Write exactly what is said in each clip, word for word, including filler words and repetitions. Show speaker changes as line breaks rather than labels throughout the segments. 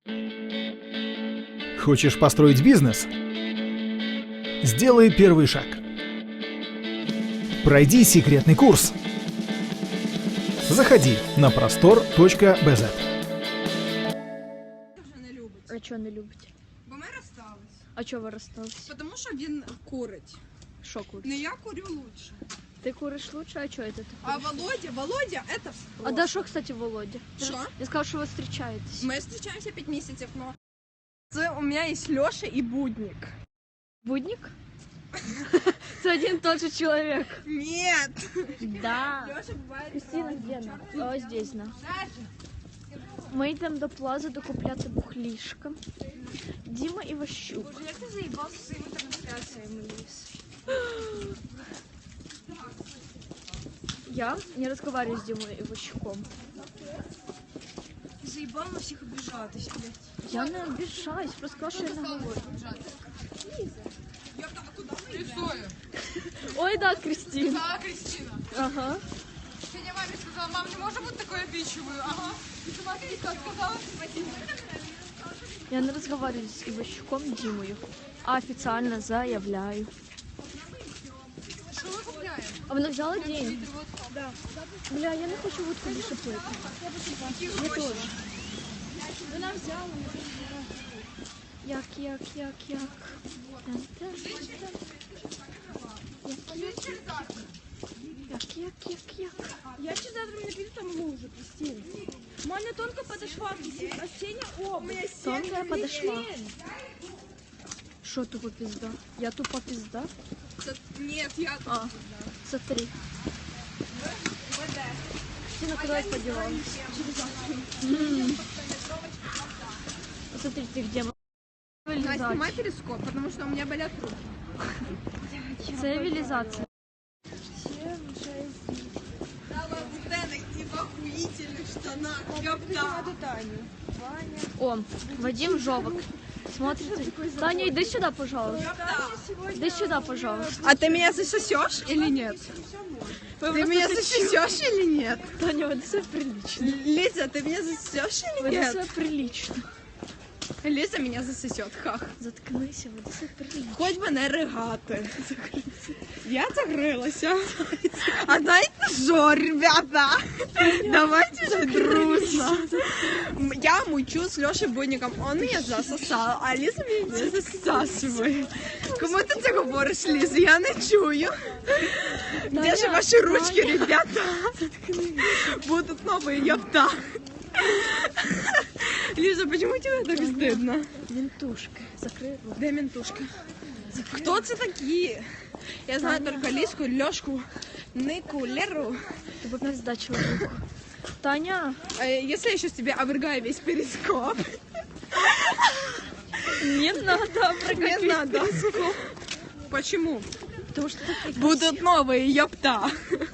Хочешь построить бизнес? Сделай первый шаг. Пройди секретный курс. Заходи на простор точка би зет.
А чого не любите?
Бо ми розстались.
А чого ви розстались?
Тому що він курить.
Що курить?
Не я курю лучше.
Ти куриш лучше, а чого це ти
А
куриш?
Володя, Володя, это
А да що, кстати, Володя?
Що?
Я сказав, що ви зустрічаєтесь.
Ми зустрічаємося п'ять місяців, но... Це у мене є Льоша і Будник.
Будник? Це один тот же чоловік.
Нет.
Да.
Льоша буває...
Кристина, де на? Ось здесь на. Ми йдемо до Плази докупляти бухлішка. Діма Іващук.
Як ти заїбався своїми трансляціями, Ліс?
Я не разговариваю с Димой Иващуком.
Заїбав на всіх обіжатись, блядь.
Я не обижаюсь, просто сказала, що я не говорю.
Я так, куди ми йдемо?
Ой, да, Кристина.
Да, Кристина.
Ага.
Сегодня маме сказала, мам, не может быть такой обидчивый. Ага. И смотри, как сказала.
Я не разговариваю с Иващуком Димою, а официально заявляю.
Что мы купляем?
А вона взяла деньги? Да. Бля, я не хочу водку більше пити. Я теж. Вона взяла. Як, як, як, як. Як, як, як, як.
Я ще завтра не піду, там лужу, Кристина. Маня тонко подошла, а Сеня, о, у меня
Тонкая подошла. Що тупо пизда? Я тупо пизда?
Нет, я...
А, смотри. Кристина, куда я подевалась? М. Смотри, ты где?
Настя, снимай перископ, потому что у меня болят руки.
Цивилизация.
Лабутенок и в охуительных штанах. Ёпта.
О, Вадим Жовок. Смотрите. Таня, иди сюда, пожалуйста. Иди сюда, пожалуйста.
А ты меня засосешь или нет? Ты меня засосешь или нет?
Таня, веди себя прилично.
Лиза, ты меня засосешь или
Веди
нет?
себя прилично.
Лиза меня засосет, хах.
Заткнися, веди себя прилично.
Хоть бы не ригати. Я закрылась. А знаете что, ребята? Давайте же дружно. Я мучу с Лешей Будником. Он меня засосал, а Лиза меня не засасывает. Кому ти це говориш, Ліза? Я не чую. Где же ваши ручки, ребята? Будут новые, ёпта. Лиза, почему тебе так стыдно?
Ментушка. Закрой рот.
Де ментушка? Кто це такі? Я знаю только Лизку, Лёшку, Нику, Леру.
Ты бы пизда человеку. Таня.
Э, Если я сейчас тебе овергаю весь перископ.
Не надо
Не надо. Почему?
Потому что ты
Будут новые, ёпта.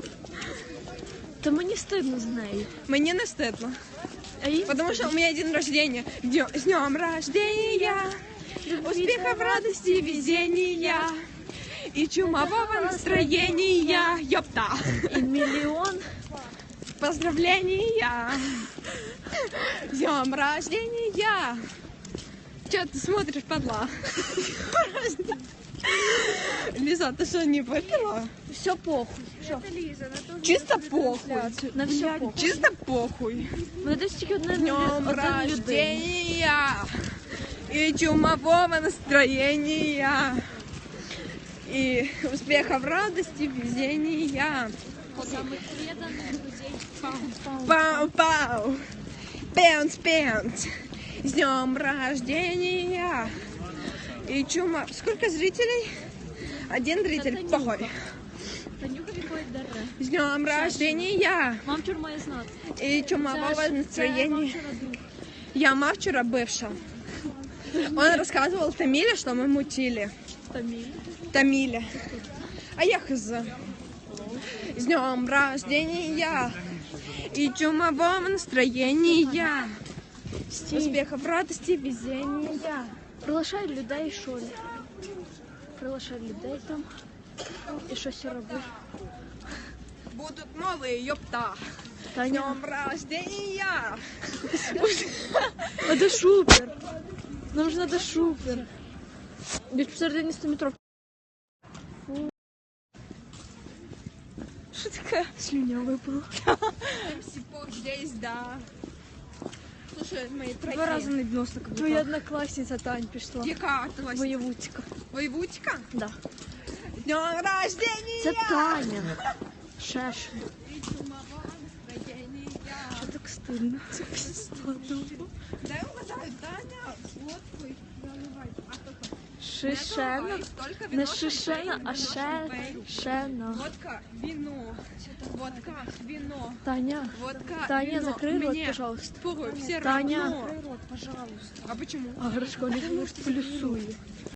Та мені стидно з нею.
Мне не стыдно.
А їй
Потому что у меня день рождения. Днё- С днем рождения. Успехов, радости, везения. И чумового настроения. Ёпта.
і мільйон.
Поздравления! С днем рождения! Че ты смотришь, падла? Лиза, ты что, не выпила?
Все похуй. Що?
Чисто похуй.
На все похуй.
Чисто похуй.
Мене десь тільки одне
С днем рождения! И чумового настроения! И успехов, радости, везения!
Самих преданих людей.
Пау-пау! Пенс-пенс! С днем рождения! И чума... Сколько зрителей? Один зритель,
Танюха.
похуй.
Танюха відходить даре.
С днем рождения!
Мам вчора має знати.
И чумового
Це ж- це мам
настроения.
вчора друг.
Я мама вчера бывшая. Он рассказывал Тамиле, что мы мутили.
Таміль.
Тамиле. А я хз. С днем рождения! И чумового настроения!
Стій.
Успехов, радости, везения!
Приглашай людей, що ли? Приглашай людей там. І щось робиш.
Будут новые, ёпта! С
Таня.
днем рождения!
А де шупер? Нам ж надо шупер. Без посередині сто метров. Що таке? Слюня випала.
Здесь, да. Слушай, мои
Два рази не відносно. Твоя однокласниця Тань пішла.
Яка твоя
Воєвудська.
воєвудька?
Да.
Днем рождения!
Це Таня. Шешин. Що так стильно? Це пізда.
Дай угадаю, Таня, водку наливай. А то то.
Шишена.
Только
Не
вино,
шишена,
шампейн,
а
вино, шампейн.
шешена.
Водка, вино. Водка, вино.
Таня.
Водка,
Таня,
вино.
закрой рот,
Мне
пожалуйста.
порой все
Таня.
равно. А почему?
А Гришко не плюсує.